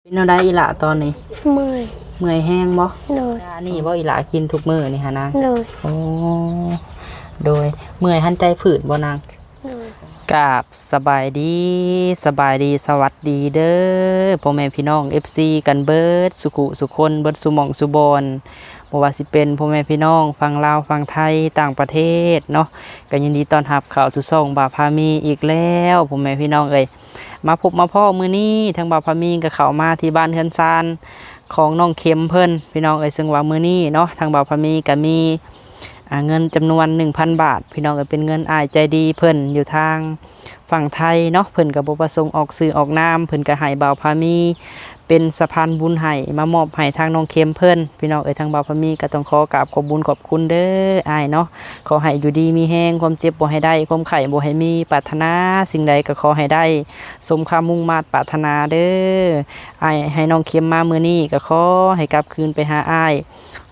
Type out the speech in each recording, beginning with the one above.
เป็นเอาได้อีหละตอนนี้เมื่อยเมื่อยแห้งบ่เลยนี่บ่อีหละกินทุกมื้อนี่ฮะนางเลยโอ้โดยเมื่อยหันใจผืดบ่นางเลยกราบสบายดีสวัสดีเด้อพ่อแม่พี่น้อง FC กันเบิดสุขุสุคนเบิดสุหม่องสุบอนบ่ว่าสิเป็นพ่อแม่พี่น้องฝั่งลาวฝั่งไทยต่างประเทศเนาะก็ยินดีต้อนรับเข้าสู่ช่องบ่าวพามีอีกแล้วพ่อแม่พี่น้องเอ้ยมาพบมาพ่อมื้อนี้ทางบ่าวพามีก็เข้ามาที่บ้านเฮือนซานของน้องเข็มเพิ่นพี่น้องเอ้ยซึ่งว่ามื้อนี้เนาะทางบ่าวพามีก็มีเงินจำนวน 1,000 บาทพี่น้องเอ้ยเป็นเงินอ้ายใจดีเพิ่นอยู่ทางฝั่งไทยเนาะเพิ่นก็บ่ประสงค์ออกสื่อออกนามเพิ่นก็ให้บ่าวพามีเป็นสะพานบุญให้มามอบให้ทางน้องเข็มเพิ่นพี่น้องเอ้ยทางบ่าวพามีก็ต้องขอกราบขอบบุญขอบคุณเด้ออ้ายเนาะขอให้อยู่ดีมีแฮงความเจ็บบ่ให้ได้ความไข้บ่ให้มีปรารถนาสิ่งใดก็ขอให้ได้สมความมุ่งมา่ปรารถนาเด้ออ้ายให้น้องเข็มมามื้อนี้ก็ขอให้กลับคืนไปหาอ้าย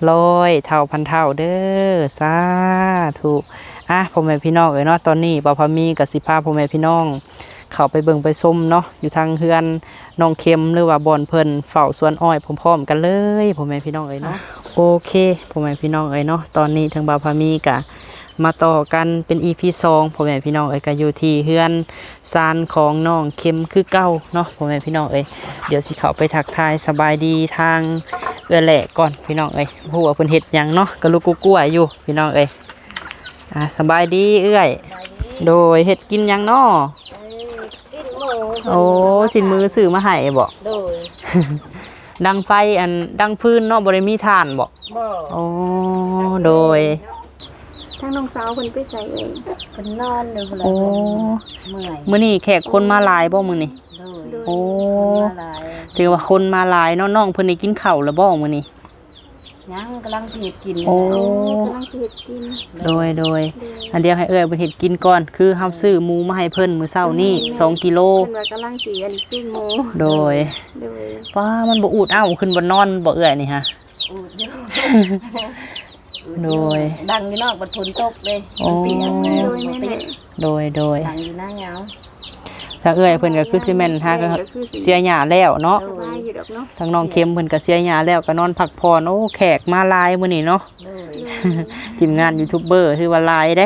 100 เท่าพันเท่าเด้อสาธุพ่อแม่พี่น้องเอ้ยเนาะตอนนี้บ่าวพามีก็สิพาพ่อแม่พี่น้องเข้าไปเบิ่งไปชมเนาะอยู่ทางเฮือนน้องเข็มหรือว่าบ่อนเพิ่นเฝ้าสวนอ้อยพร้อมๆกันเลยพ่อแม่พี่น้องเอ้ยเนาะโอเคพ่อแม่พี่น้องเอ้ยเนาะตอนนี้ทางบ่าวพามีก็มาต่อกันเป็น EP 2พ่อแม่พี่น้องเอ้ยก็อยู่ที่เฮือนซานของน้องเข็มคือเก่าเนาะพ่อแม่พี่น้องเอ้ยเดี๋ยวสิเข้าไปทักทายสบายดีทางเอื้อแหละก่อนพี่น้องเอ้ยฮู้ว่าเพิ่นเฮ็ดหยังเนาะก็ลูกกลัวๆอยู่พี่น้องเอ้ยสบายดีเอื้อยโดยเฮ็ดกินหยังเนาะโอ้สินมือซื้อมาให้บ่โดยดังไฟดังพื้นเนาะบ่ได้มีถ่านบ่โอ้โดยทั้งน้องสาวเพิ่นไปใส่เองเพิ่นนอนเลยเพิ่นโอ้เมื่อยมื้อนี้แขกคนมาหลายบ่มื้อนี้โอ้ถือว่าคนมาหลายเนาะน้องเพิ่นได้กินข้าวแล้วบ่มื้อนี้ยังกำลังสิเฮ็ดกินโอ้กำลังสิเฮ็ดกินโดยอันเดียวให้เอ้ยเพิ่นเฮ็ดกินก่อนคือเฮาซื้อหมูมาให้เพิ่นมื้อเช้านี้2กิโลเพิ่นว่ากำลังสิปิ้งหมูโดยป้ามันบ่อูดอ้าวขึ้นบ่นอนบ่เอ้ยนี่ฮะอูดเยอะโดยดังอยู่นอกบัดฝนตกเด้เปียกโดยดังอยู่หน้าเหงาถ้าเอ้ยเพิ่นก็คือสิแม่นถ้าก็เสียหญ้าแล้วเนาะทางน้องเข็มเพิ่นก็เสียหญ้าแล้วก็นอนพักผ่อนโอ้แขกมาหลายมื้อนี้เนาะทีมงานยูทูบเบอร์ถือว่าหลายเด้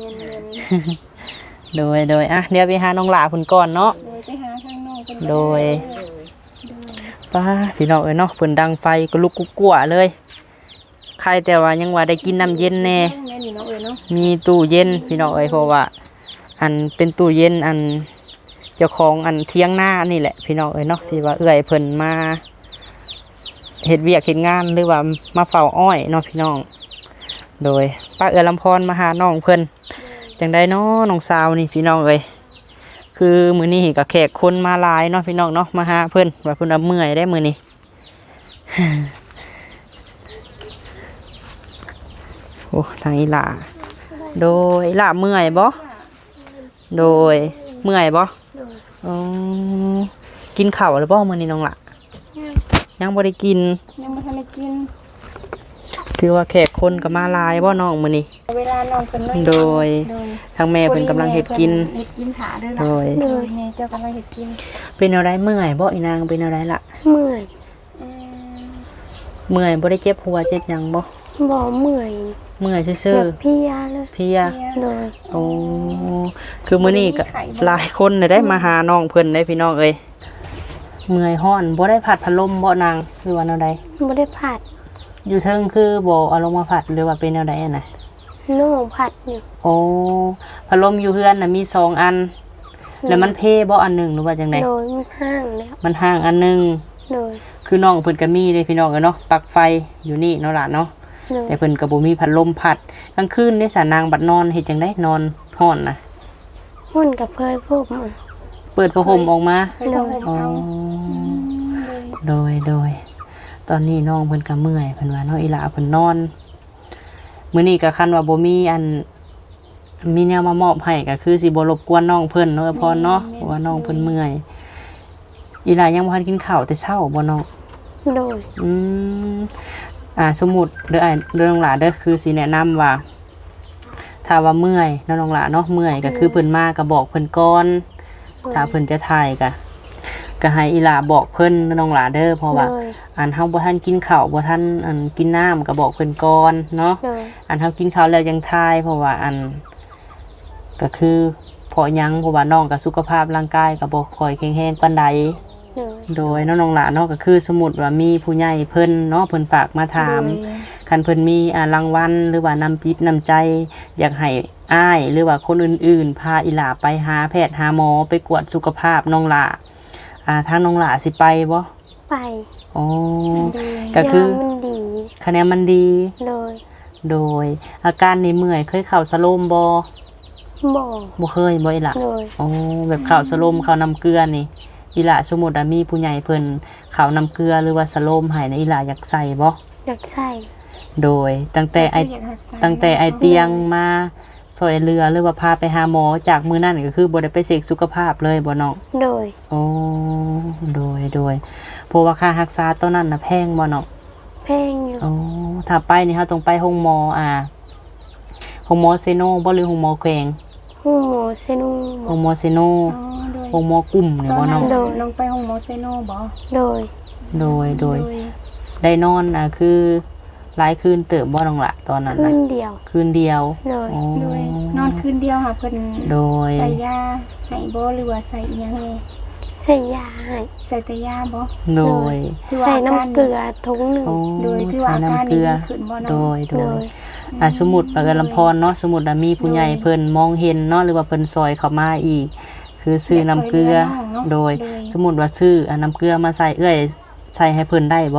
โดยเดี๋ยวไปหาน้องหลาเพิ่นก่อนเนาะไปหาทางน้องเพิ่นโดยป้าพี่น้องเอ้ยเนาะเพิ่นดังไฟก็ลุกกุ๊กกั่วเลยใครแต่ว่ายังว่าได้กินน้ำเย็นแน่มีตู้เย็นพี่น้องเอ้ยเพราะว่าเป็นตู้เย็นเจ้าของเที่ยงหน้านี่แหละพี่น้องเอ้ยเนาะที่ว่าเอื้อยเพิ่นมาเฮ็ดเวียกเฮ็ดงานหรือว่ามาเฝ้าอ้อยเนาะพี่น้องโดยป้าเอื้อลำพรมาหาน้องเพิ่นจังได้เนาะน้องสาวนี่พี่น้องเอ้ยคือมื้อนี้ก็แขกคนมาหลายเนาะพี่น้องเนาะมาหาเพิ่นว่าเพิ่นเมื่อยได้มื้อนี้โอ้ทางอีหล่าโดยอีหล่าเมื่อยบ่โดยเมื่อยบ่อ๋อกินข้าวหรือบ่มื้อนี้น้องล่ะยังบ่ได้กินยังบ่ทันได้กินถือว่าแขกคนก็มาหลายบ่น้องมื้อนี้เวลาน้องเพิ่นโดยทางแม่เพิ่นกำลังเฮ็ดกินถาเด้อล่ะโดยแม่เจ้ากำลังเฮ็ดกินเป็นแนวใดเมื่อยบ่อีนางเป็นแนวใดล่ะเมื่อยบ่ได้เจ็บหัวเจ็บหยังบ่เมื่อยซื่อๆเพลียเลยเพลียโดยโอ้คือมื้อนี้ก็หลายคนได้มาหาน้องเพิ่นได้พี่น้องเอ้ยเมื่อยฮ้อนบ่ได้ผัดพัดลมบ่นางหรือว่าแนวใดบ่ได้ผัดอยู่เทิงคือบ่เอาลงมาผัดหรือว่าเป็นแนวใดอะน่ะน้องผัดอยู่โอ้พัดลมอยู่เฮือนน่ะมี2อันแล้วมันเพบ่อันนึงหรือว่าจังได๋โดยมันห่างแล้วมันห่างอันนึงโดยคือน้องเพิ่นก็มีเด้พี่น้องเนาะปลั๊กไฟอยู่นี่เนาะล่ะเนาะแต่เพิ่นก็บ่มีพัดลมพัดกลางคืนนี่สานางบัดนอนเฮ็ดจังได๋นอนฮ้อนน่ะฮ้อนกับเปิดผ้าห่มออกมาอ๋อโดยตอนนี้น้องเพิ่นก็เมื่อยเพิ่นว่าเนาะอีหล่าเพิ่นนอนมื้อนี้ก็คันว่าบ่มีมีแนวมามอบให้ก็คือสิบ่รบกวนน้องเพิ่นเนาะพรเนาะเพราะว่าน้องเพิ่นเมื่อยอีหล่ายังบ่ทันกินข้าวแต่เช้าบ่น้องโดยสมมุติเด้อเรื่องหลาเด้อคือสิแนะนำว่าถ้าว่าเมื่อยน้องหลาเนาะเมื่อยก็คือเพิ่นมาก็บอกเพิ่นก่อนถ้าเพิ่นจะถ่ายก็ก็ให้อีหลาบอกเพิ่นน้องหลาเด้อเพราะว่าโดยอันเฮาบ่ทันกินข้าวบ่ทันอันกินน้ำก็บอกเพิ่นก่อนเนาะโดยอันเฮากินข้าวแล้วยังทายเพราะว่าอันก็คือเพราะหยังเพราะว่าน้องก็สุขภาพร่างกายก็บ่ค่อยแข็งแรงปานใดโดยโดยน้องหลาเนาะก็คือสมมุติว่ามีผู้ใหญ่เพิ่นเนาะเพิ่นฝากมาถามโดยคันเพิ่นมีรางวัลหรือว่านำจิตนำใจ อยากให้อ้ายหรือว่าคนอื่นๆพาอีหลาไปหาแพทย์หาหมอไปกวดสุขภาพน้องหลาทางน้องหลาสิไปบ่ไปอ๋อโดยก็คือยามันดีคะแนนมันดีโดยโดยอาการในเมื่อยเคยเข้าสโลมบ่บ่บ่เคยบ่อีหล่ะโดยอ๋อแบบเข้าสโลมเข้าน้ำเกลือนี่อีหล่ะสมมุติว่ามีผู้ใหญ่เพิ่นเข้าน้ำเกลือหรือว่าสโลมให้นะอีหล่ะอยากใส่บ่อยากใส่โดยตั้งแต่ไอเตียงมาซอยเรือหรือว่าพาไปหาหมอจากมื้อนั้นก็คือบ่ได้ไปเช็คสุขภาพเลยบ่น้องโดยอ๋อโดยเพราะว่าค่ารักษาตอนนั้นน่ะแพงบ่น้องแพงอยู่อ๋อถ้าไปนี่เฮาต้องไปโรงหมอโรงหมอเซโนบ่หรือโรงหมอแขวงหูหมอเซนูโรงหมอเซโนอ๋อโดยโรงหมอกลุ่มนี่บ่น้องโดยน้องไปห้องหมอเซโนบ่โดยโดยได้นอนคือหลายคืนเติบบ่น้องละตอนนั้นคืน่ะนเดียวคืนเดียวโดยอ๋อโดยนอนคืนเดียวค่ะเพิ่นโดยใส่ยาให้บ่หรือว่าใส่อีหยังแน่ใส่ยาให้ใส่แต่ยาบ่โดยถือว่าใส่อาการน้ำเกลือทุงหนึ่งโอ้โดยถือว่าใส่อาการน้ำเกลืนี้อดีขึ้นบ่โดเนาะยโดยสมมุติปากลำพรเนาะสมมุติว่ามีผู้ใหญ่เพิ่นมองเห็นเนาะหรือว่าเพิ่นซอยเข้ามาอีก คือซื้อน้ำเกลือ โดย สมมุติว่าซื้อน้ำเกลือมาใส่ใส่ให้เพิ่นได้บ่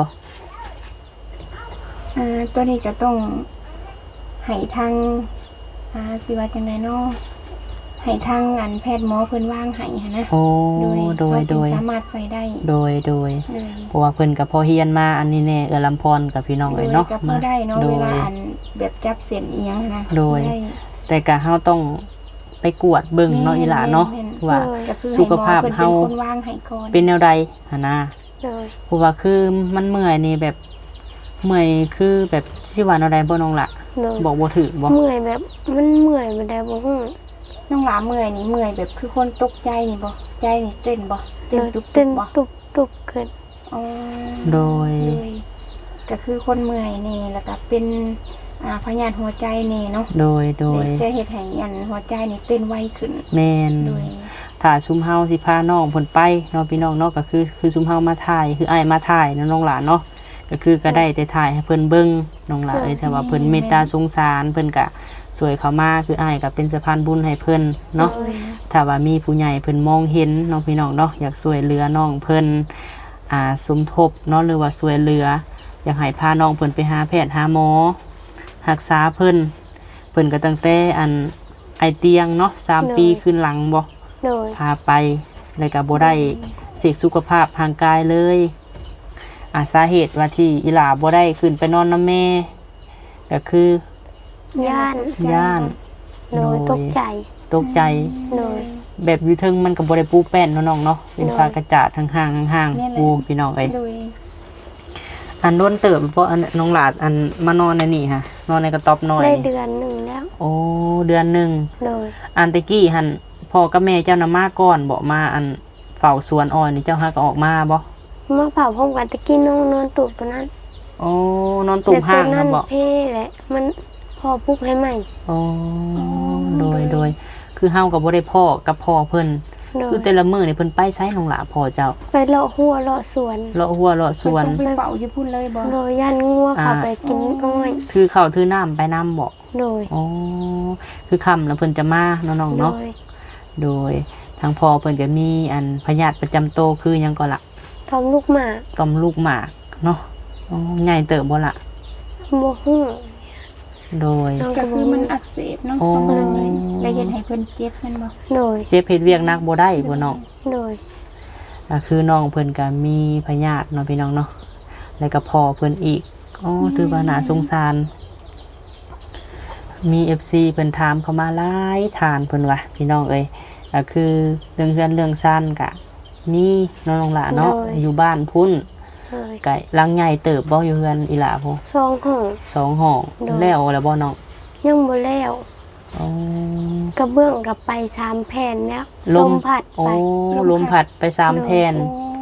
ตัวนี้จะต้องให้ทางสิว่าจังไดเนาะให้ทางอันแพทย์หมอเพิ่นวางให้หันนะโอ้โดยว่าถึงสามารถใส่ได้โดยโดยเพราะว่าเพิ่นก็พอเฮียนมาอันนี้แน่ลำพรกับพี่น้องเอ้ยเนาะก็พอได้เนาะโดเวย ลาอันแบบจับเส้นอีหยังนะโดยได้แต่ก็เฮาต้องไปกวดเบิ่งเนาะอีหล่าเนาะแม่นว่าก็คือสุขภาพให้หมอเฮาพิ่นเป็นคนวางให้ก่อนเป็นแนวใดหั่นนะโดยเพราะว่าคือมันเมื่อยนี่แบบเมื่อยคือแบบสิว่าแนวใดบ่น้องล่ะโดยบอกบ่ถูกบ่เมื่อยแบบมันเมื่อยบ่ได้บ่ฮู้น้องหลาเมื่อยนี่เมื่อยแบบคือคนตกใจนี่บ่ใจนี่เต้นบ่เต้นตุบเต้นๆบ่ตุบขึ้นอ๋อโดยเลยก็คือคนเมื่อยนี่แล้วก็เป็นพยาธิหัวใจนี่เนาะโดยจะเฮ็ดให้อันหัวใจนี่เต้นไวขึ้นแม่นโดยถ้าซุมเฮาสิพาน้องเพิ่นไปเนาะพี่น้องเนาะก็คือซุมเฮามาถ่ายคืออ้ายมาถ่ายเนาะน้องหลานเนาะก็คือก็ได้แต่ถ่ายให้เพิ่นเบิ่งน้องหลานเอ้ยแต่ว่าเพิ่นเมตตาสงสารเพิ่นก็สวยเข้ามาคืออ้ายก็เป็นสะพานบุญให้เพิ่นเนาะโดยถ้าว่ามีผู้ใหญ่เพิ่นมองเห็นน้องพี่น้องเนาะอยากช่วยเหลือน้องเพิ่นสมทบเนาะหรือว่าช่วยเหลืออยากให้พาน้องเพิ่นไปหาแพทย์หาหมอรักษาเพิ่นก็ตั้งแต่ไอเตียงเนาะ3 ปีขึ้นหลังบ่โดยพาไปแล้วก็บ่ได้เสกสุขภาพทางกายเลยสาเหตุว่าที่อีหลาบ่ได้ขึ้นไปนอนนำแม่ก็คือย่าน โดยโดยตกใจตกใจโดยแบบอยู่เทึงมันก็บ่ได้ปูแป้นเนาะน้องเนาะเป็นฟ้ากระจาดห่างๆปูพี่น้องเอ้ยโดยอันโดนเติบเพราะน้องหลาดมานอนในนี่ฮะนอนในกระต๊อบน้อยได้นี่เดือนหนึ่งแล้วโอ้เดือนหนึงโดยอันตะกี้หันพ่อกับแม่เจ้านำมาก่อนบ่มาเฝ้าสวนอ้อยนี่เจ้าหาก็ออกมาบ่มาเผาพร้อมกันตะกี้น้องนอนตูบตัวนั้นโอ้นอนตุ่มห้างแต่ตัวคนั้รับนบ่เพ่แหละมันพอปุ๊บให้ใหม่โอ้โดยคือเฮาก็บ่ได้พ่อกับพ่อเพิ่นโดคือย แต่ละมื้อนี่เพิ่นไปไสน้องหลาพ่อเจ้าไปเลาะหัวเลาะสวนเลาะหัวเลาะสวนเพิ่นต้องไปเป่าอยู่พุ่นเลยบ่โดยย่านงัวเขาไปกินอ้อยถือข้าวถือน้ำไปนํบ่โดยอ๋อคือค่ำแล้วเพิ่นจะมาน้องๆโดเนาะยโดยทางพ่อเพิ่นก็มีพยาธิประจำโตวคือหยังก็ละทำลูกหมาต่อมลูกหมากเนาะอ๋อใหญ่เติบบ่ละโมหูโดยน้องก็ก็คือบ่มันอักเสบเนาะโอ้ต้องเลยแล้วเฮ็ดให้เพิ่นเจ็บแม่นบ่โดยเจ็บเฮ็ดเวียกหนักบ่ได้บ่น้องโดยคือน้องเพิ่นก็มีพยาธิเนาะพี่น้องเนาะแล้วก็พ่อเพิ่นอีกอ๋อถือว่าน่าสงสาร มี FC เพิ่นถามเข้ามาหลายทานเพิ่นว่าพี่น้องเอ้ยก็คือเรื่องเรือนเรื่องซ่านก็มีน้องๆล่ะเนาะอยู่บ้านพุ่นโดยไก่ลังใหญ่เติบบ่อยู่เฮือนอีหล่าพุ่นซองห้อง 2 ห้องโดยแล้วแล้วบ่น้องยังบ่แล้วอ๋อกระเบื้องกับไป3แผ่นแล้วลมผัดโอ้ไปลมพัดไป3แผ่นโอ้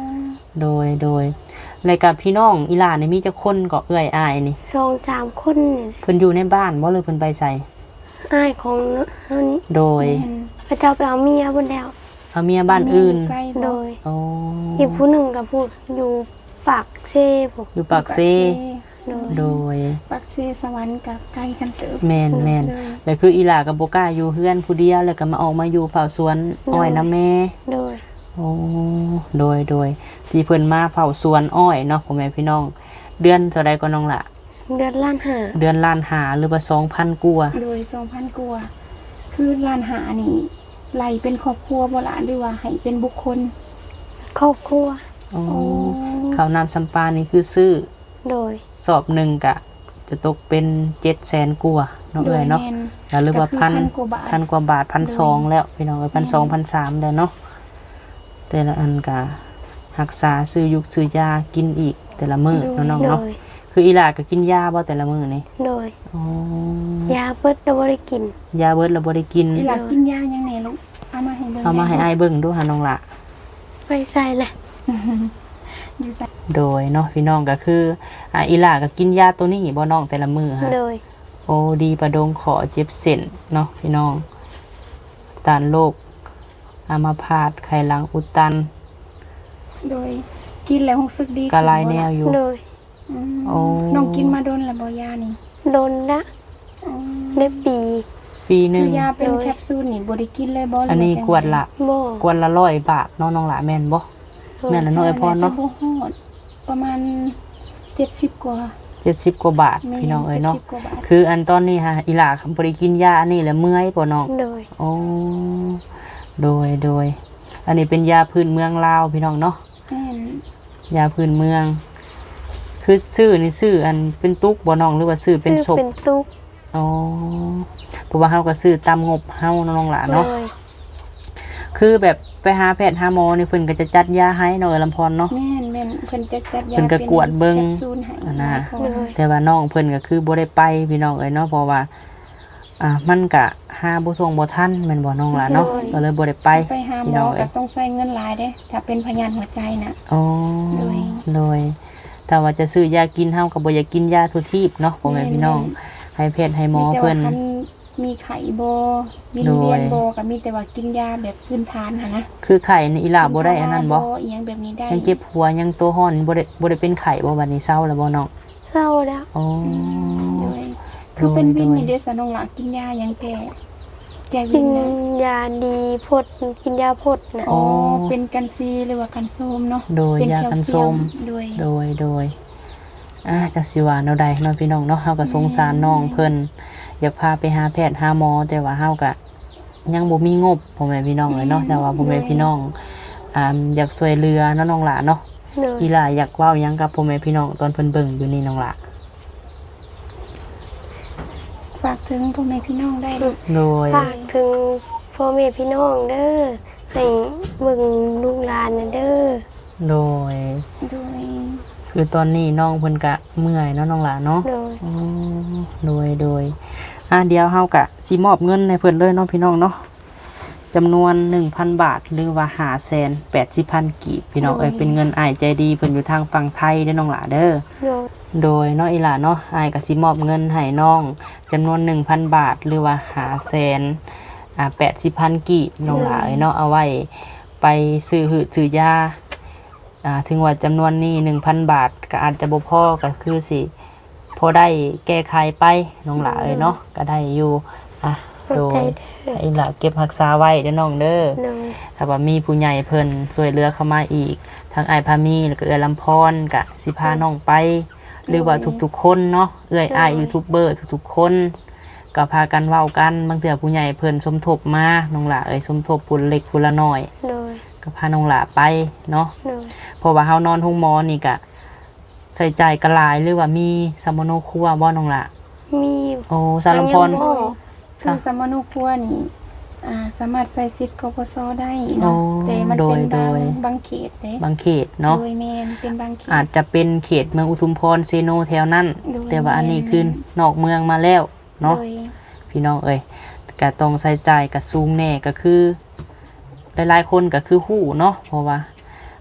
โดยแล้วกับพี่น้องอีหลานี่มีจักคนก็เอื้อยอ้ายนี่ 2-3 คนนี่เพิ่นอยู่ในบ้านบ่หรือเพิ่นไปไสอ้ายของเฮานี้โดยแม่นพระเจ้าไปเอาเมียเพิ่นแล้วเอาเมียบ้านอื่นใกล้โดบ่ยโอ้อีกผู้หนึงก็พูดอยู่ปากเซ่ผมอยู่ปากเซโดยโดยปักเซสวรรค์กับใกล้กันเติบแม่นแล้วคืออีหลากับบ่กล้าอยู่เฮือนผู้เดียวแล้วก็มาออกมาอยู่เผาสวนอ้อยนำแม่โดยโอ้โดยที่เพิ่นมาเผาสวนอ้อยเนาะพ่อแม่พี่น้อง เดือนเท่าใดก็น้องล่ะเดือนล้านหาเดือนล้านหาหรือว่า 2,000กว่าโดย 2,000กว่าคือร้านหานี่ไล่เป็นครอบครัวบ่ล่ะหรือว่าให้เป็นบุคคลครอบครัวโอ้ข้าวน้ำสำปานี่คือซื้อโดยสอบหนึ่งก็จะตกเป็น700,000กว่าเนาะเอ้ยเนาะโดยแม่แล้วหรือว่าก็คือพัน 1,000 กว่าบาทพันกว่าบาท1,200แล้วพี่น้องเอ้ย1,200 1,300แล้วเนาะแต่ละอันก็รักษาซื้อยุกซื้อยากินอีกแต่ละมื้อเนาะน้องโดเนาะยคืออีหลาก็กินยาบ่แต่ละมื้อนี่โดยอ๋อยาเบิดเราบ่ได้กินยาเบิดแล้วบ่ได้กินอีหลากินยายังแน่ลูกเอามาให้เบิ่งเอามาให้อ้ายเบิ่งดูหาน้องละไปใส่แหละอยู่ใส่โดยเนาะพี่น้องก็คืออีหลาก็กินยาตัวนี้บ่น้องแต่ละมื้อฮะโดยโอ้ดีประดงขอเจ็บเส้นเนาะพี่น้องต้านโรคอัมพาตไขหลังอุดตันโดยกินแล้วรู้สึกดีกะลายแนวอยู่โดยอืมโอ้น้องกินมาโดนแล้วบ่ยานี่โดนละอ๋อได้ปีปีหนึคืงอยาเป็นโดยแคปซูลนี่บ่ได้กินเลยบ่หรือันนี้าจังกวดละโม่กวดละ100 บาทเนาะน้องละแม่นบ่ แม่นละน้อยพอเนาะจบ่ฮอดประมาณ70กว่า 70กว่าบาทพี่น้องเอ้ยเนาะ 70กว่าบาทคืออันตอนนี้ฮะอีหลาบ่ได้กินยาอันนี้แล้วเมื่อยบ่น้องโดยโอ้โดยอันนี้เป็นยาพื้นเมืองลาวพี่น้องเนาะแม่นยาพื้นเมือง คือชื่อนี่ชื่ออันเป็นตุกบ่น้องหรือว่าชื่อเป็นศซื้อพเป็นตุ๊กอ๋อเพราะว่าเฮาก็ซื้อตามงบเฮาเนาะน้องหลานโดเนาะยคือแบบไปหาแพทย์หาหมอนี่เพิ่นก็จะจัดยาให้เนาะเออลำพรเนาะแม่นแม่นเพิ่นจะจัดยาเพิ่นก็กวดเบิ่งแคปซูลให้อันน่ะหลายคนแต่ว่าน้องเพิ่นก็คือบ่ได้ไปพี่น้องเอ้ยเนาะเพราะว่ามันก็หาบ่ทวงบ่ทันแม่นบ่น้องหลานเนาะก็เลยบ่ได้ไปไปหาหพี่มน้อองก็เอ้ยต้องใช้เงินหลายเด้ถ้าเป็นพยาธิหัวใจน่ะอ๋อโดยโดยแต่ว่าจะซื้อยากินเฮาก็บ่อยากกินยาทุกทีบเนาะพ่อแม่พี่น้อง ให้แพทย์ให้หมอแต่เพิ่ว่าน คันมีไข้บ่วิงโดยเวียนบ่ก็มีแต่ว่ากินยาแบบพื้นฐานหั่นนะคือไข้นี่อีหลาบ่ได้อันนั้นบ่อีหยังแบบนี้ได้ยังเจ็บหัวยังตัวร้อนบ่ได้เป็นไข้บ่บัดนี้เศร้าแล้วบ่น้องเศร้าแล้วอ๋อโดยคือเป็นวินโดยนี่เด้อสะน้องหลากินยาหยังแก่แก้กิวินนนะยาดีพดกินยาพดนะอ๋อเป็นกันซีหรือว่ากันโซมเนาะโดยเป็นยาแคลกันเซีส้ยมโดยโดยจักสิว่าแนวใดเนาะพี่น้องเนาะเฮาก็สงสารน้องเพิ่นอยากพาไปหาแพทย์หาหมอแต่ว่าเฮาก็ยังบ่มีงบพ่อแม่พี่น้องเลยเนาะแต่ว่าพ่อแม่พี่น้องอยากช่วยเหลือเนาะน้องหลาเนาะโดยอีหล่าอยากเว้าหยังกับพ่อแม่พี่น้องตอนเพิ่นเบิ่งอยู่นี่น้องหลาฝากถึงพ่อแม่พี่น้องได้ลูกโดยฝากถึงพ่อแม่พี่น้องเด้อให้เบิ่งลูกหลานน่ะเด้อโดยโดยคือตอนนี้น้องเพิ่นก็เมื่อยเนาะน้องหลาเนาะโดยอ๋อโดยเดี๋ยวเฮากะสิมอบเงินให้เพิ่นเลยเนาะพี่น้องเนาะจำนวน 1,000 บาทหรือว่า580,000 กีบพี่น้องเอ้ยเป็นเงินอ้ายใจดีเพิ่นอยู่ทางฝั่งไทยเด้อน้องหลาเด้อโดยโดยเนาะอีหล่าเนาะอ้ายก็สิมอบเงินให้น้องจำนวน 1,000 บาทหรือว่า580,000 กีบน้องหลาเอ้ยเนาะเอาไว้ไปซื้อหืดซื้อยาถึงว่าจำนวนนี้ 1,000 บาทก็อาจจะบ่พอก็คือสิพอได้แก้ไขไปน้องหลาเอ้ยเนาะก็ได้อยู่โดเข้าใจยเด้อให้หล่าเก็บรักษาไว้เด้อน้องเด้อโดยถ้าว่ามีผู้ใหญ่เพิ่นช่วยเหลือเข้ามาอีกทางอ้ายพามีแล้วก็เอื้อลำพรก็สิพาน้องไป หรือว่าทุกๆคนเนาะเอื้อยอ้ายยูทูบเบอร์ทุกๆคนก็พากันเว้ากันบางเทื่อผู้ใหญ่เพิ่นสมทบมาน้องหล่าเอ้ยสมทบผู้เล็กผู้ละน้อยโดยก็พาน้องหล่าไปเนาะโดยเพราะว่าเฮานอนห้องหมอนี่ก็ใส่ใจกระหลายหรือว่ามีสมโนครัวบ่น้องหล่ามีอยู่โอ้สารลำพรยังบ่คือสมนุครัวนี่สามารถใส่สิทธิ์กปสได้โอ้เนาะแต่มันเป็นโดยบางเขตเด้บางเขตเนาะโดยแม่นเป็นบางเขตอาจจะเป็นเขตเมืองอุทุมพรเซโนแถวนั้นโดยแต่ว่าอันนี้คือนอกเมืองมาแล้วเนาะโดยพี่น้องเอ้ยก็ต้องใส่ใจกับซูงแน่ก็คือหลายๆคนก็คือฮู้เนาะเพราะว่าค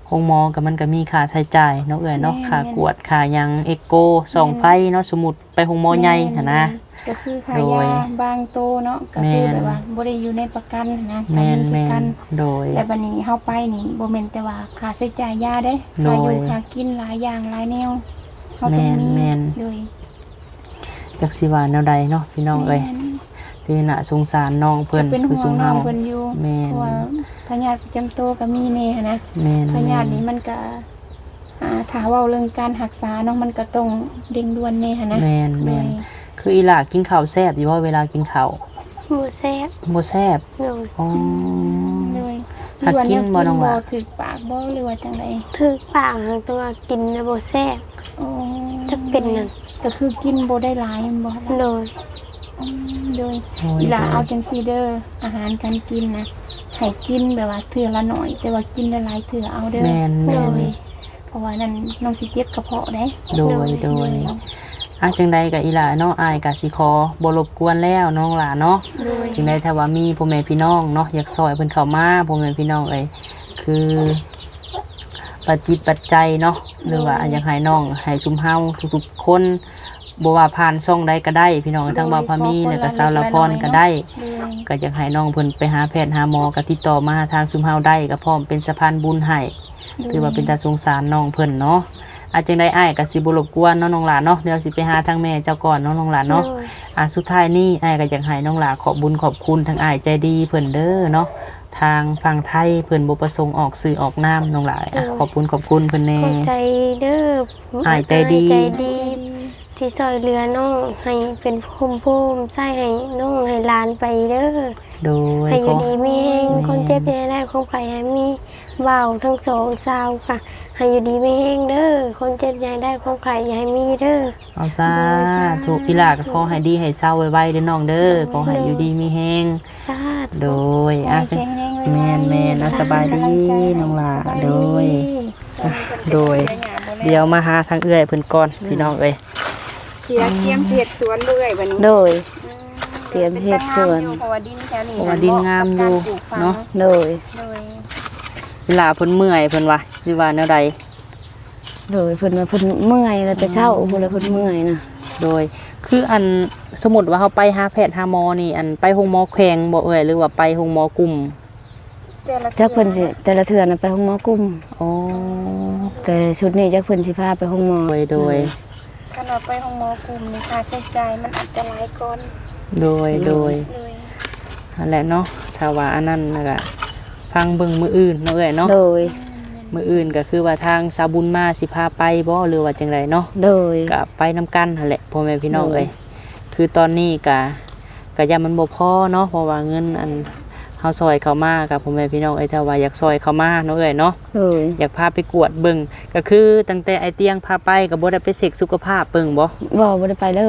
โรงหมอก็มันก็มีค่าใช้จ่ายเนาะเอ้ยเนาะค่ากวดค่าหยังเอ็กโกส่องไฟเนาะสมมุติไปโรงหมอใหญ่หันนะก็คือขาโดยยาบางโตเนาะก็คือแบบว่าบ่ได้อยู่ในประกันนะแม่นก็มีคือกันโดยแต่บัดนี้เฮาไปนี่บ่แม่นแต่ว่าค่าใช้จ่ายยาเด้โดค่าย อยู่ค่ากินหลายอย่างหลายแนวเฮาต้องมีแม่นโดยจักสิว่าแนวใดเนาะพี่น้องเอ้ยแม่นที่น่ะสงสารน้องเพิ่นเป็นคือห่วซุงมน้อเฮางเพิ่นอยู่แม่นเพราะว่าพยาธิประจำตัวก็มีแน่หั้นนะแม่นพยาธินี้มันก็ถ้าเว้าเรื่องการรักษาเนาะมันก็ต้องเร่งด่วนแน่หั้นนะแม่นโดแม่ยนคืออีหล่ากินข้าวแซ่บอยู่ว่าเวลากินข้าวหมูแซ่บบ่แซ่บโดยอ๋อโดยหักกินบ่น้องหบ่ล่ะถึกปากบ่หรือว่าจังไดถึกปากของตัวกินแล้วบ่แซ่บอ๋อถ้าเป็นนั่นก็คือกินบ่ได้หลายแม่นบ่ล่ะโดยโดยโอ้ยเวลาเอาจังซีเดอร์อาหารการกินนะให้กินแบบว่าเถื่อละหน่อย แต่ว่ากินหลายๆเถื่อเอาเด้อแม่นโดแม่นยเพราะว่านั่นน้องสิเจ็บกระเพาะได้โดยจังใดก็อีหล่าเนาะอายก็สิขอบ่รบกวนแล้วน้องหล่าเนาะโดยจังใดถ้าว่ามีพ่อแม่พี่น้องเนาะอยากซอยเพิ่นเข้ามาพ่อแม่พี่น้องเอ้ยคือปัจจิตปัจจัยเนาะหรือว่าอยากให้น้องให้ซุมเฮาทุกๆคนบ่ว่าผ่านช่องใดก็ได้พี่น้องทั้งบ่าวพามีแล้วก็สาวละพรก็ได้โดยก็อยากให้น้องเพิ่นไปหาแพทย์หาหมอก็ติดต่อมาทางซุมเฮาได้ก็พร้อมเป็นสะพานบุญให้ถือว่าเป็นตาสงสารน้องเพิ่นเนาะอาจจังไดอ้ายก็สิบ่รบกวนเนาะน้องหลานเนาะเดี๋ยวสิไปหาทางแม่เจ้าก่อนเนาะน้องหลานเนาะโดยสุดท้ายนี่อ้ายก็อยากให้น้องหลาขอบบุญขอบคุณทางอ้ายใจดีเพิ่นเด้อเนาะทางฝั่งไทยเพิ่นบ่ประสงค์ออกสื่อออกนามน้องหลายขอบคุณขอบคุณเพิ่นแน่ขอบใจเด้ออ้ายใจดีใจดี ที่ซอยเรือน้องให้เป็นภูมิใส่ให้น้องให้หลานไปเด้อโดยให้อขยู่อดีมีแห้งคนเจ็บในได้ของไผ่ให้มีเบาทั้งสองสาวค่ะให้อยู่ดีมีแห้งเด้อคนเจ็บใหญ่ได้ของไผ่อย่าให้มีเด้อเอาซาถูกอีหลาก็ขอให้ดีให้เศร้าไวๆเด้อน้องเด้อขอให้อยู่ดีมีแฮงสาธุโดยจัง แม่นๆนะสบายดีน้องหลาโดย โดย เดี๋ยวมาหาทางเอื้อยเพิ่นก่อนพี่น้องเอ้ยเสียเกียมเสียดสวนเรื่อยบัดนี้โดย เตรียมเฮ็ดสวนเพราะว่าดินแถวนี้เพราะว่าดินงามอยู่เนาะโดยโดยอีหลาเพิ่นเมื่อยเพิ่นว่าสิว่าแนวใดโดยเพิ่นว่าเพิ่นเมื่อยแล้วแต่เช้าเพิ่นเลยเพิ่นเมื่อยนะโดยคืออันสมมุติว่าเฮาไปหาแพทย์หาหมอนี่อันไปโรงหมอแขวงบ่เอ่ยหรือว่าไปโรงหมอกลุ่มแต่ละจักเพิ่นสิแต่ละเทื่อน่ะไปห้องหมอกลุ่มอ๋อแต่ชุดนี้จักเพิ่นสิพาไปห้องหมอโดยถ้าเราไปห้องหมอกลุ่มนี่ค่าใช้จ่ายมันอาจจะหลายก่อนโดยเลยนั่นแหละเนาะถ้าว่าอันนั้นน่ะก็ฟังเบิ่งมื้ออื่นเนาะเอ้ยเนาะโดยมื้ออื่นก็คือว่าทางสาวบุญมาสิพาไปบ่หรือว่าจังไดเนาะโดยก็ไปนํกันนั่นแหละพ่อแม่พี่น้องโดยเอ้ยคือตอนนี้ก็ย่ามันบ่พอเนาะเพราะว่าเงินอันเฮาซอยเข้ามากับพ่อแม่พี่น้องเอ้ยถ้าว่าอยากซอยเข้ามาเนาะเอ้ยเนาะโดยอยากพาไปกวดเบิ่งก็คือตั้งแต่ไอเตียงพาไปก็บ่ได้ไปเช็คสุขภาพเบิ่งบ่บ่ได้ไปเลย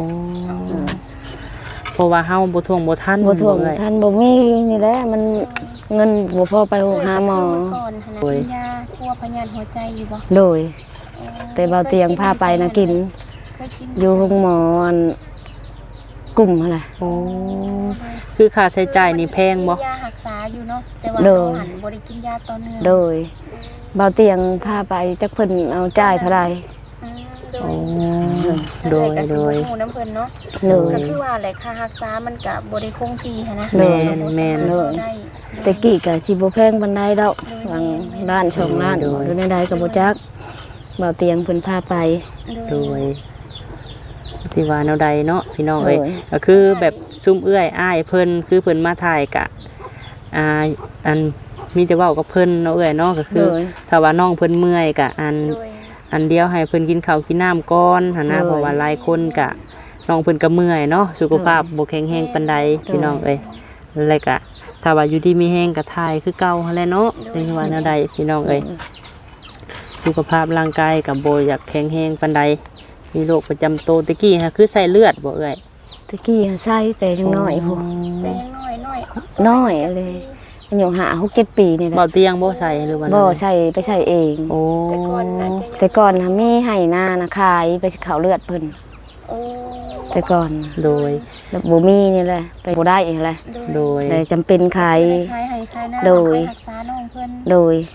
เพราะว่าเฮาบ่ท่วงบ่ทันบ่ท่วงเอ้ยท่านบ่มีนี่แหละมันเงินบ่พอไปหาหมอก่อนขนาดโดยกินยาทั่วพยาธิหัวใจอยู่บ่โดย แต่เบาเตียงพาไปนะกินเคยกินอยู่ห้องหมออันกลุ่มหั่นล่ะโอ้คือค่าใช้จ่ายนี่แพงบ่ยารักษาอยู่เนาะแต่ว่าโดเรายหันบ่ได้กินยาต่อเนื่องโดยเบาเตียงพาไปจักเพิ่นเอาจ่ายเท่าใดอืมโดยก็โดยสิบ่ฮู้น้ำเพิ่นเนาะโดยก็คือว่าแหละค่ารักษามันก็บ่ได้คงที่หันนะโดยแม่นโดยได้แต่กี้ก็สิบ่แพงปานใดดอกวางด้านช่องล้านโดยอยู่ในใดก็บ่จักเบาเตียงเพิ่นพาไปโดยสิว่าแนวใดเนาะพี่น้องเอ้ยโดยก็คือแบบซุ่มเอื้อยอ้ายเพิ่นคือเพิ่นมาถ่ายกะอันมีแต่เว้ากับเพิ่นเนาะเอ้ยเนาะก็คือโดยถ้าว่าน้องเพิ่นเมื่อยกะโดยอันเดียวให้เพิ่นกินข้าวกินน้ำก่อนหั่นนะโดยเพราะว่าหลายคนกะน้องเพิ่นก็เมื่อยเนาะสุขภาพบ่แข็งแรงปานใดพี่น้องเอ้ยแล้วก็ถ้าว่าอยู่ดีมีแรงก็ถ่ายคือเก่าหั่นแหละเนาะเป็นว่าแนวใดพี่น้องเอ้ยสุขภาพร่างกายก็บ่อยากแข็งแรงปานใดมีโรคประจำตัวตะกี้ฮะคือใส่เลือดบ่เอ้ยตะกี้ใส่แต่จังน้อยพุ่นแต่ยังน้อยน้อยเลยอายุ5 6 7ปีนี่แหเบาละเตียงบ่ใส่หรือว่าบ่นั่นใส่ไปใส่เองโอ้แต่ก่อนน่ะจะแต่ก่อนน่ะมีให้นานะขายไปเขาเลือดเพิ่นโอ้แต่ก่อนโดยแล้วบ่มีนี่แหละไปบ่ได้แหละโดยเลยจำเป็นขายขายให้ขายหน้าโดยขายรักษาน้องเพิ่นโดยโอ้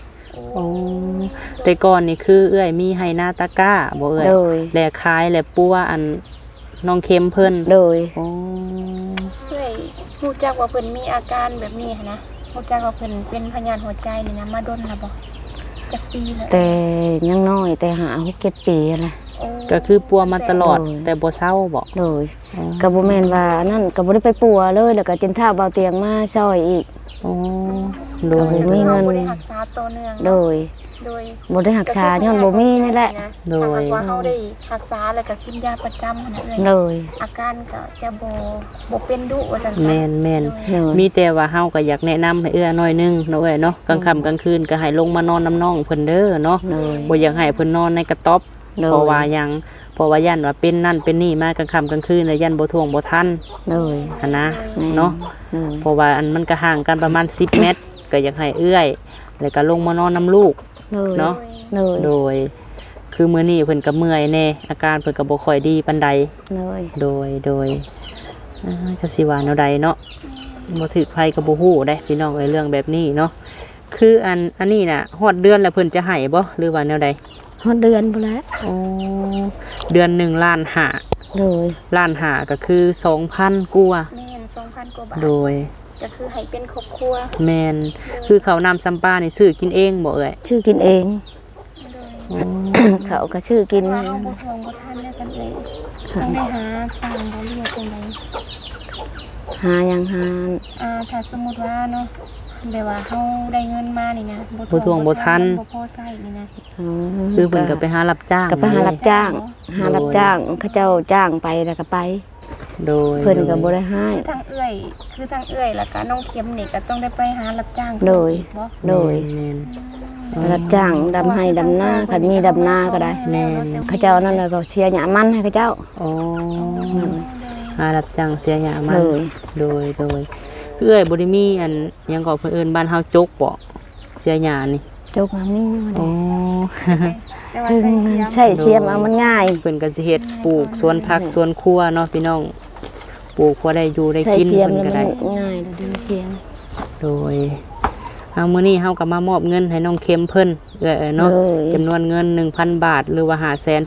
โอ้แต่ก่อนนี่คือเอื้อยมีให้หน้าตะกร้าบ่เอื้อยโดยแลขายแลปัวอันน้องเข็มเพิ่นโดยโอ้เอ้ยรู้จักว่าเพิ่นมีอาการแบบนี้หั้นนะรู้จักว่าเพิ่นเป็นพยาธิหัวใจนี่นะมาดนแล้วบ่จักปีแล้วแต่ยังน้อยแต่หา6-7 ปีแหละโอ้ก็คือปัวมาตลอดโอ้ยแต่บ่เศร้าบ่โดยก็บ่แม่นว่านั่นก็บ่ได้ไปปัวเลยแล้วก็จนเฒ่าเบาเตียงมาซอยอีกโอ้โดยโอ้ย มีเงินบ่ได้รักษาตัวเนื่องโดยโดยบ่ได้รักษาย้อนบ่มีนี่แหละโดยถ้าหากว่าเฮาได้รักษาแล้วก็กินยาประจำหั่นน่ะเอ้ยโดยอาการก็จะบ่เป็นดุว่าซั่นแม่นแม่นโดยมีแต่ว่าเฮาก็อยากแนะนำให้เอื้อหน่อยนึงเนาะเอ้ยเนาะกลางค่ำกลางคืนก็ให้ลงมานอนน้ำน้องเพิ่นเด้อเนาะโดยบ่อยากให้เพิ่นนอนในกระต๊อบโดยเพราะว่าหยังเพราะว่ายันว่าเป็นนั่นเป็นนี่มากลางค่ำกลางคืนแล้วยันบ่ท่วงบ่ทันโดยหั่นนะแม่เนาะโดยเพราะว่าอันมันก็ห่างกันประมาณ10 เมตรก็อยากให้เอื้อยแล้วก็ลงมานอนน้ำลูกโดยเนาะโดยโดย คือมื้อนี้เพิ่นก็เมื่อยแน่อาการเพิ่นก็บ่ค่อยดีปานใดโดยโดยจะสิว่าแนวใดเนาะบ่ถึกภัยก็บ่ฮู้ได้พี่น้องเอ้ยเรื่องแบบนี้เนาะคืออันนี้น่ะฮอดเดือนแล้วเพิ่นจะให้บ่หรือว่าแนวใดฮอดเดือนพุ่นแล้วอ๋อเดือน1ล้านห้าโดยล้านห้าก็คือ 2,000กว่าแม่น 2,000 กว่าบาทโดยก็คือให้เป็นครอบครัวแม่นคือข้าวน้ำซ้ำปลานี่ซื้อกินเองบ่เอ่ยชื่อกินเองโดยเขาก็ชื่อกินว่าเฮาบ่ห่วงบ่ทันแล้วซั่นเองต้องได้หาทางบ่เลือกจังไดหายังหาถ้าสมมุติว่าเนาะแบบว่าเฮาได้เงินมานี่นะบ่ท่วงบ่ทันบ่พอใช้นี่นะคือเพิ่นก็ไปหารับจ้างก็ไปหารับจ้าง หารับจ้างเขาเจ้าจ้างไปแล้วก็ไปโดยเพิ่นก็บ่ได้ให้คือทางเอื้อยแล้วก็น้องเข็มนี่ก็ต้องได้ไปหารับจ้างโดยอีกบ่โดยแม่นรับจ้างดำให้ดำหน้าคันมีดำหน้าก็ได้แม่นเขาเจ้านั่นแหละก็เชียร์หยามันให้เขาเจ้าอ๋อหารับจ้างเสียหยามันเลยโดยคือเอ้ยบ่ได้มีอันหยังก็เพิ่นเอิ้นบ้านเฮาจกบ่เสียหยานี่เจ้าก็มีอ๋อแต่ว่าใส่เสียมใช่เสียมเอามันง่ายเพิ่นก็สิเฮ็ดปลูกสวนผักสวนครัวเนาะพี่น้องปลูกพอได้อยู่ได้ใช่กินเสียมเพิ่นแล้วก็มันได้ง่ายแล้วดีเสียมโดยมื้อนี้เฮาก็มามอบเงินให้น้องเข็มเพิ่นเนาะเลยจำนวนเงิน 1,000 บาท หรือว่า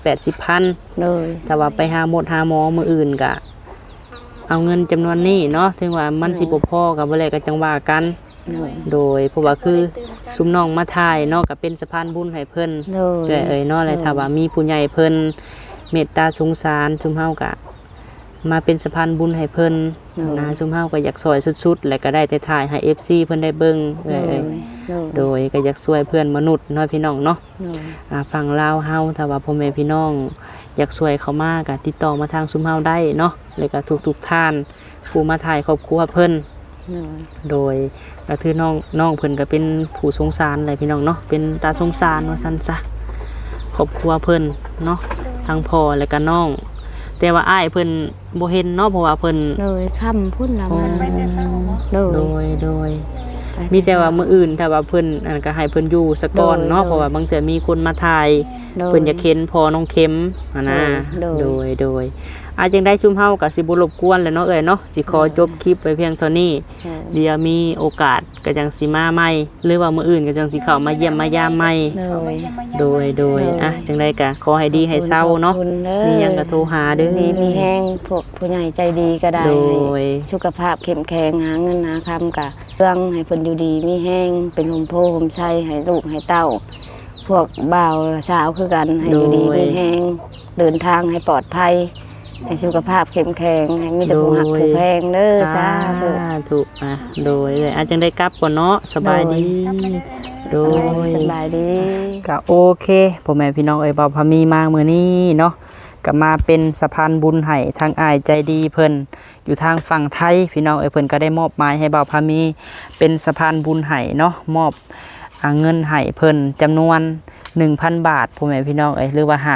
580,000 เลยแต่ว่าไปหาหมดหาหมอมื้ออื่นก็เอาเงินจำนวนนี้เนาะถึงว่ามันสิบ่พอก็บ่แล้วก็จังว่ากันเลยโดยเพราะว่าคือซุมน้องมาถ่ายเนาะก็เป็นสะพานบุญให้เพิ่นเลยเอ้ยเนาะเลยถ้าว่ามีผู้ใหญ่เพิ่นเมตตาสงสารซุมเฮาก็มาเป็นสะพานบุญให้เพิ่นนะซุมเฮาก็อยากซอยสุดๆและก็ได้แต่ถ่ายให้ FC เพิ่นได้เบิ่งเอ้ยโดยก็อยากช่วยเพื่อนมนุษย์เนาะพี่น้องเนาะฝั่งลาวเฮาถ้าว่าพ่อแม่พี่น้องอยากช่วยเขามาก็ติดต่อมาทางซุมเฮาได้เนาะแล้วก็ทุกๆท่านผู้มาถ่ายครอบครัวเพิ่นโดยก็คือน้องเพิ่นก็เป็นผู้สงสารเลยพี่น้องเนาะเป็นตาสงสารว่าซั่นซะครอบครัวเพิ่นเนาะทั้งพ่อและก็น้องแต่ว่าอ้ายเพิ่นบ่เห็นเนาะเพราะว่าเพิ่นเลยค่ำพุ่นละมันไปแต่เช้าบ่โดยมีแต่ว่ามื้ออื่นถ้าว่าเพิ่นอันก็ให้เพิ่นอยู่ซะก่อนเนาะเพราะว่าบางเทื่อมีคนมาถ่ายเพิ่นอยากเห็นพ่อน้องเข็มหั่นนะโดยอาจังได้ชุมเฮาก็สิบ่รบกวนแล้วเนาะเอ้ยเนาะสิขอจบคลิปไว้เพียงเท่านี้เดี๋ยวมีโอกาสก็จังสิมาใหม่หรือว่ามื้ออื่นก็จังสิเข้ามาเยี่ยมมายามใหม่ โดยอ่ะจังไดก็ขอให้ดีให้เศร้าเนาะมีหยังก็โทรหาเด้อมีแห้งพวกผู้ใหญ่ใจดีก็ได้โดยสุขภาพเข้มแข็งหาเงินหาคำกะเรื่องให้เพิ่นอยู่ดีมีแห้งเป็นลมโพลมไส้ให้ลูกให้เต้า พวกบ่าวสาวคือกันให้อยู่ดีมีแห้งเดินทางให้ปลอดภัยให้สุขภาพเข้มแข็งให้มีแต่ผู้หักผู้แพงเด้อสาธุธุอ่ะโดยเลยอาจจังได้กลับก่อนเนาะสบายดีโดยสบายดีก็โอเคพ่อแม่พี่น้องเอ้ยบ่าวพามีมามื้อนี้เนาะก็มาเป็นสะพานบุญให้ทางอ้ายใจดีเพิ่นอยู่ทางฝั่งไทยพี่น้องเอ้ยเพิ่นก็ได้มอบหมายให้บ่าวพามีเป็นสะพานบุญให้เนาะมอบเงินให้เพิ่นจำนวน 1,000 บาทพ่อแม่พี่น้องเอ้ยหรือว่า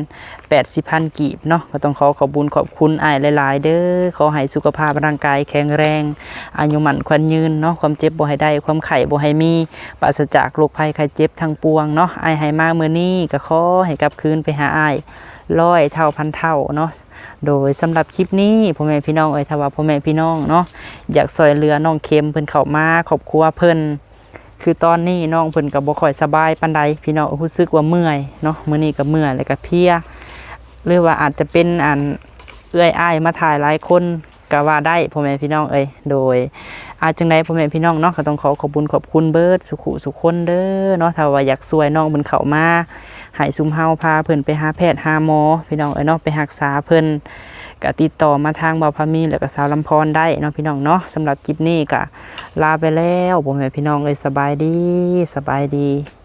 580,000 กีบเนาะก็ต้องขอบุญขอบคุณอ้ายหลายๆเด้อขอให้สุขภาพร่างกายแข็งแรงอายุมั่นขวัญยืนเนาะความเจ็บบ่ให้ได้ความไข้บ่ให้มีปราศจากโรคภัยไข้เจ็บทั้งปวงเนาะอ้ายให้มามื้อนี้ก็ขอให้กลับคืนไปหาอ้าย100 เท่าพันเท่าเนาะโดยสำหรับคลิปนี้พ่อแม่พี่น้องเอ้ยถ้าว่าพ่อแม่พี่น้องเนาะอยากช่วยเหลือน้องเข็มเพิ่นเข้ามาครอบครัวเพิ่นคือตอนนี้น้องเพิ่นก็บ่ค่อยสบายปานใดพี่น้องรู้สึกว่าเมื่อยเนาะมื้อนี้ก็เมื่อยแล้วก็เพลียหรือว่าอาจจะเป็นเอื้อยอ้ายมาถ่ายหลายคนก็ว่าได้พ่อแม่พี่น้องเอ้ยโดยจังได๋พ่อแม่พี่น้องเนาะก็ต้องขอบุญขอบคุณเบิดสุขุสุขคนเด้อเนาะถ้าว่าอยากช่วยน้องเพิ่นเข้ามาให้ซุมเฮาพาเพิ่นไปหาแพทย์หาหมอพี่น้องเอ้ยเนาะไปรักษาเพิ่นก็ติดต่อมาทางบ่าวพามีแล้วก็สาวลำพรได้เนาะพี่น้องเนาะสำหรับคลิปนี้ก็ลาไปแล้วพ่อแม่พี่น้องเอ้ยสบายดี